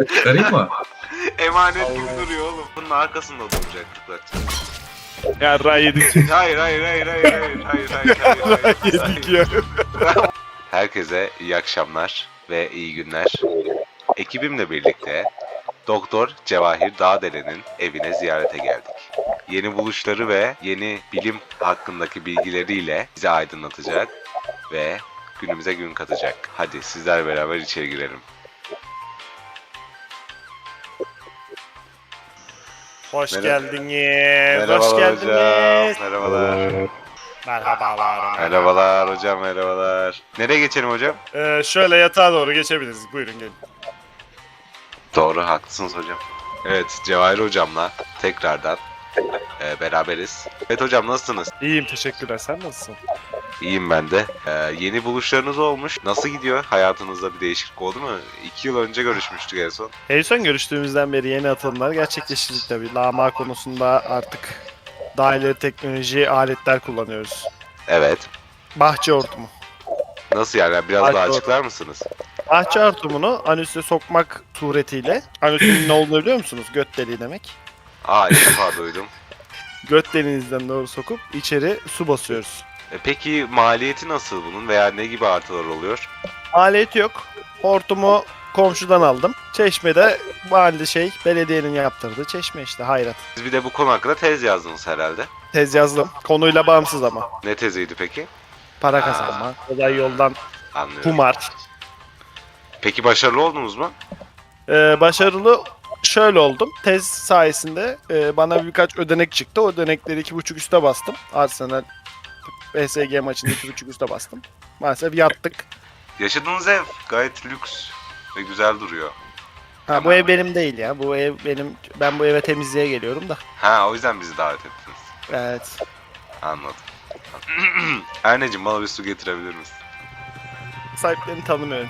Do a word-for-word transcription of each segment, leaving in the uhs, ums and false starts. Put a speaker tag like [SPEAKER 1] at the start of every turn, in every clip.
[SPEAKER 1] Çıkarayım mı?
[SPEAKER 2] Emanet gibi duruyor oğlum. Bunun arkasında duracak bak.
[SPEAKER 3] Ya ray yedik.
[SPEAKER 2] Hayır hayır hayır hayır hayır hayır hayır hayır hayır.
[SPEAKER 3] yedik ya.
[SPEAKER 2] Herkese iyi akşamlar ve iyi günler. Ekibimle birlikte Doktor Cevahir Dağdelen'in evine ziyarete geldik. Yeni buluşları ve yeni bilim hakkındaki bilgileriyle bizi aydınlatacak ve günümüze gün katacak. Hadi sizler beraber içeri girelim.
[SPEAKER 3] Hoş
[SPEAKER 2] Merhaba.
[SPEAKER 3] geldiniz. Hoş
[SPEAKER 2] Merhabalar
[SPEAKER 3] geldiniz.
[SPEAKER 2] hocam. Merhabalar.
[SPEAKER 3] Merhabalar.
[SPEAKER 2] Merhabalar hocam, merhabalar. Nereye geçelim hocam?
[SPEAKER 3] Ee, şöyle yatağa doğru geçebiliriz. Buyurun gelin.
[SPEAKER 2] Doğru, haklısınız hocam. Evet, Cevahir hocamla tekrardan e, beraberiz. Evet hocam, nasılsınız?
[SPEAKER 3] İyiyim, teşekkürler. Sen nasılsın?
[SPEAKER 2] İyiyim ben de. E, yeni buluşlarınız olmuş. Nasıl gidiyor? Hayatınızda bir değişiklik oldu mu? İki yıl önce görüşmüştük en son.
[SPEAKER 3] En son görüştüğümüzden beri yeni atılımlar gerçekleştirdik tabii. Lama konusunda artık daha ileri teknoloji aletler kullanıyoruz.
[SPEAKER 2] Evet.
[SPEAKER 3] Bahçe hortumu.
[SPEAKER 2] Nasıl yani? Biraz
[SPEAKER 3] Ay,
[SPEAKER 2] daha
[SPEAKER 3] doğru.
[SPEAKER 2] açıklar mısınız?
[SPEAKER 3] Bahçe hortumunu anüse sokmak suretiyle, anüsün ne olduğunu biliyor musunuz? Göt deliği demek.
[SPEAKER 2] Aa, ilk defa duydum.
[SPEAKER 3] Göt deliğinizden doğru sokup içeri su basıyoruz.
[SPEAKER 2] E, peki maliyeti nasıl bunun veya ne gibi artılar oluyor?
[SPEAKER 3] Alet yok. Hortumu komşudan aldım. Çeşmede mahalle şey, belediyenin yaptırdığı çeşme işte, hayrat.
[SPEAKER 2] Siz bir de bu konu hakkında tez yazdınız herhalde.
[SPEAKER 3] Tez yazdım. Konuyla bağımsız ama.
[SPEAKER 2] Ne teziydi peki?
[SPEAKER 3] Para kazanma, kolay yoldan
[SPEAKER 2] Anlıyorum.
[SPEAKER 3] kumar.
[SPEAKER 2] Peki başarılı oldunuz mu?
[SPEAKER 3] Ee, başarılı şöyle oldum. Tez sayesinde e, bana birkaç ödenek çıktı. O ödenekleri iki buçuk üste bastım. Arsenal B S G maçında iki buçuk üste bastım. Maalesef yattık.
[SPEAKER 2] Yaşadığınız ev gayet lüks ve güzel duruyor.
[SPEAKER 3] Ha, bu ev benim değil ya. Bu ev benim. Ben bu eve temizliğe geliyorum da.
[SPEAKER 2] Ha, o yüzden bizi davet ettiniz.
[SPEAKER 3] Evet.
[SPEAKER 2] Anladım. Erneciğim, bana bir su getirebilir misin?
[SPEAKER 3] Sahiplerini tanımıyorum.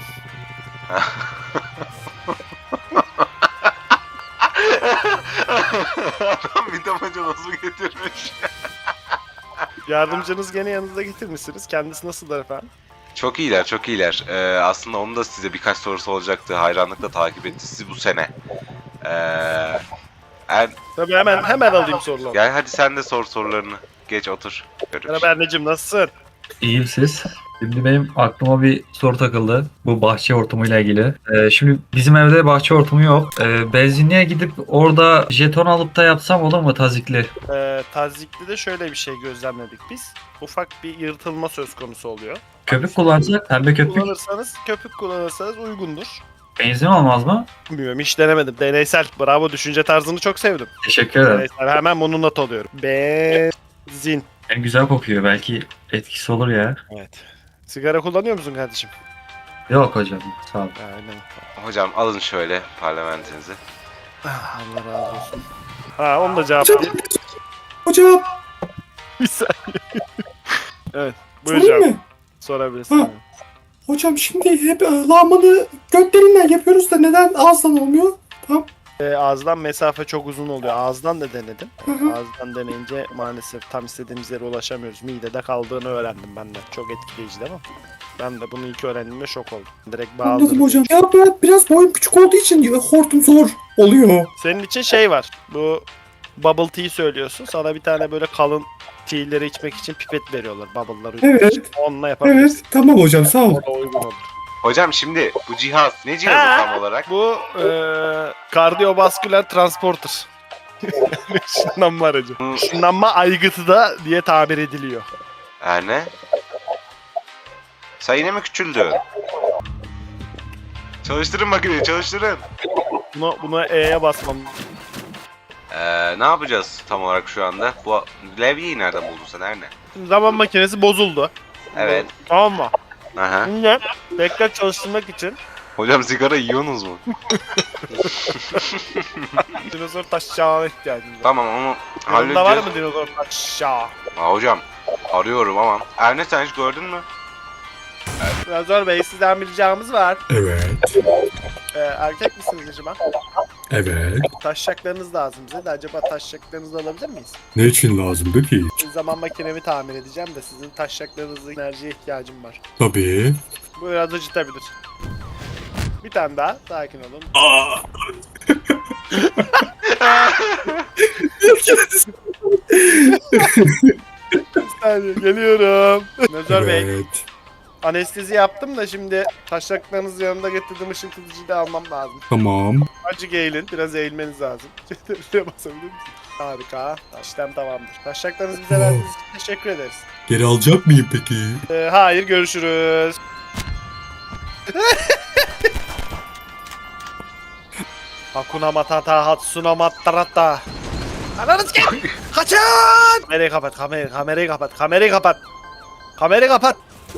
[SPEAKER 2] Adam bir damacana su getirmiş.
[SPEAKER 3] Yardımcınız gene yanınızda getirmişsiniz. Kendisi nasıldır efendim?
[SPEAKER 2] Çok iyiler, çok iyiler. Ee, aslında onun da size birkaç sorusu olacaktı. Hayranlıkla takip etti sizi bu sene. Ee, er...
[SPEAKER 3] Tabii hemen hemen alayım soruları.
[SPEAKER 2] Gel hadi sen de sor sorularını. Geç otur. Görüş.
[SPEAKER 3] Merhaba Erneciğim, nasılsın?
[SPEAKER 1] İyiyim siz. Şimdi benim aklıma bir soru takıldı. Bu bahçe hortumuyla ilgili. Ee, şimdi bizim evde bahçe hortumu yok. Ee, benzinliğe gidip orada jeton alıp da yapsam olur mu tazikli?
[SPEAKER 3] Ee, tazikli de şöyle bir şey gözlemledik biz. Ufak bir yırtılma söz konusu oluyor.
[SPEAKER 1] Köpük kullansak pembe köpük
[SPEAKER 3] Kullanırsanız, köpük kullanırsanız uygundur.
[SPEAKER 1] benzin olmaz mı?
[SPEAKER 3] Bilmiyorum, hiç denemedim. Deneysel. Bravo, düşünce tarzını çok sevdim.
[SPEAKER 1] Teşekkür ederim.
[SPEAKER 3] Deneysel. Hemen bunu not alıyorum. Benzin.
[SPEAKER 1] Yani güzel kokuyor. Belki etkisi olur ya.
[SPEAKER 3] Evet. Sigara kullanıyor musun kardeşim?
[SPEAKER 1] Yok hocam. Sağ ol.
[SPEAKER 3] Aynen.
[SPEAKER 2] Hocam alın şöyle parlamentinizi.
[SPEAKER 3] Ah, Allah razı olsun. Ha, onu da cevaplayayım.
[SPEAKER 4] Hocam,
[SPEAKER 3] Bir saniye. Evet.
[SPEAKER 4] sorayım
[SPEAKER 3] Buyuracağım.
[SPEAKER 4] mı?
[SPEAKER 3] Sorabilirsin.
[SPEAKER 4] Ha. Hocam şimdi hep e, lağmanı götlerinden yapıyoruz da neden ağızdan olmuyor? Tamam.
[SPEAKER 3] Ee, ağızdan mesafe çok uzun oluyor. Ağızdan da denedim.
[SPEAKER 4] Hı hı.
[SPEAKER 3] Ağızdan deneyince maalesef tam istediğimiz yere ulaşamıyoruz. Midede kaldığını öğrendim ben de. Çok etkileyici değil mi? Ben de bunu ilk öğrendiğimde şok oldum. Direkt
[SPEAKER 4] Anladım
[SPEAKER 3] bağladım.
[SPEAKER 4] hocam. Ya ben biraz boyum küçük olduğu için hortum zor oluyor.
[SPEAKER 3] Senin için şey var. Bu bubble tea söylüyorsun. Sana bir tane böyle kalın tea'leri içmek için pipet veriyorlar. Bubble'ları.
[SPEAKER 4] Evet.
[SPEAKER 3] için. Onunla yapabilirsin.
[SPEAKER 4] Evet, tamam hocam sağ ol.
[SPEAKER 3] O da uygun olur.
[SPEAKER 2] Hocam şimdi bu cihaz ne cihazı
[SPEAKER 3] Ha.
[SPEAKER 2] tam olarak?
[SPEAKER 3] Bu e, kardiyovasküler transporter. Işınlanma aracı.
[SPEAKER 2] Hı.
[SPEAKER 3] Işınlanma aygıtı da diye tabir ediliyor.
[SPEAKER 2] Erne? Sen yine mi küçüldün? Çalıştırın makineyi, çalıştırın.
[SPEAKER 3] Buna, buna E'ye basmam.
[SPEAKER 2] Ee, ne yapacağız tam olarak şu anda? Bu levyeyi nereden buldun sen Erne?
[SPEAKER 3] Şimdi zaman makinesi bozuldu.
[SPEAKER 2] Evet.
[SPEAKER 3] Tamam mı?
[SPEAKER 2] Aha.
[SPEAKER 3] Şimdi tekrar çalıştırmak için
[SPEAKER 2] Hocam sigara yiyorsunuz mu?
[SPEAKER 3] dinozor taşacağına ihtiyacımız var.
[SPEAKER 2] Tamam, onu
[SPEAKER 3] Yanında var
[SPEAKER 2] halledeceğiz.
[SPEAKER 3] mı dinozor taşacağı?
[SPEAKER 2] Aa, hocam arıyorum ama. Erne sen hiç gördün mü?
[SPEAKER 3] Dinozor Bey, sizden bir ricamız var.
[SPEAKER 4] Evet,
[SPEAKER 3] Ee, erkek misiniz acaba?
[SPEAKER 4] evet.
[SPEAKER 3] Taşacaklarınız lazım bize de. Acaba taşacaklarınızı alabilir miyiz?
[SPEAKER 4] Ne için lazımdı ki?
[SPEAKER 3] Bir zaman makinemi tamir edeceğim de sizin taşacaklarınızın enerjiye ihtiyacım var.
[SPEAKER 4] Tabii.
[SPEAKER 3] Bu biraz acıtabilir. Bir tane daha. Sakin olun. Bir saniye geliyorum. Nezar Bey.
[SPEAKER 4] Evet.
[SPEAKER 3] Anestezi yaptım da şimdi taşaklarınızı yanında getirdim, ışıltıcıyı da almam lazım.
[SPEAKER 4] Tamam.
[SPEAKER 3] Acık eğilin, biraz eğilmeniz lazım. Şuraya basabilir misiniz? Harika. İşlem tamamdır. Taşaklarınızı bize verdiğiniz için teşekkür ederiz.
[SPEAKER 4] Geri alacak mıyım peki?
[SPEAKER 3] Ee, hayır, görüşürüz. Hakuna Matata, Hatsuna Matata. Ananız gel! Kaçın! Kamerayı kapat, kamerayı, kamerayı kapat, kamerayı kapat. Kamerayı kapat.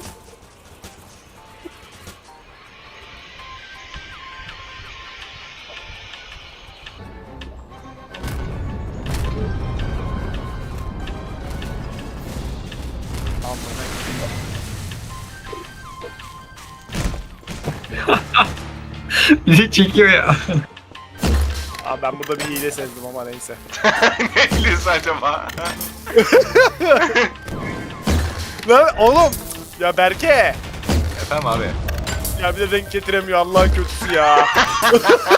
[SPEAKER 1] Bizi çekiyor ya.
[SPEAKER 3] Abi ben burada bir hile sezdim ama neyse.
[SPEAKER 2] Ne hilesi acaba?
[SPEAKER 3] Lan oğlum! Ya Berke!
[SPEAKER 2] Efendim abi.
[SPEAKER 3] Ya bir de renk getiremiyor Allah'ın kötüsü ya.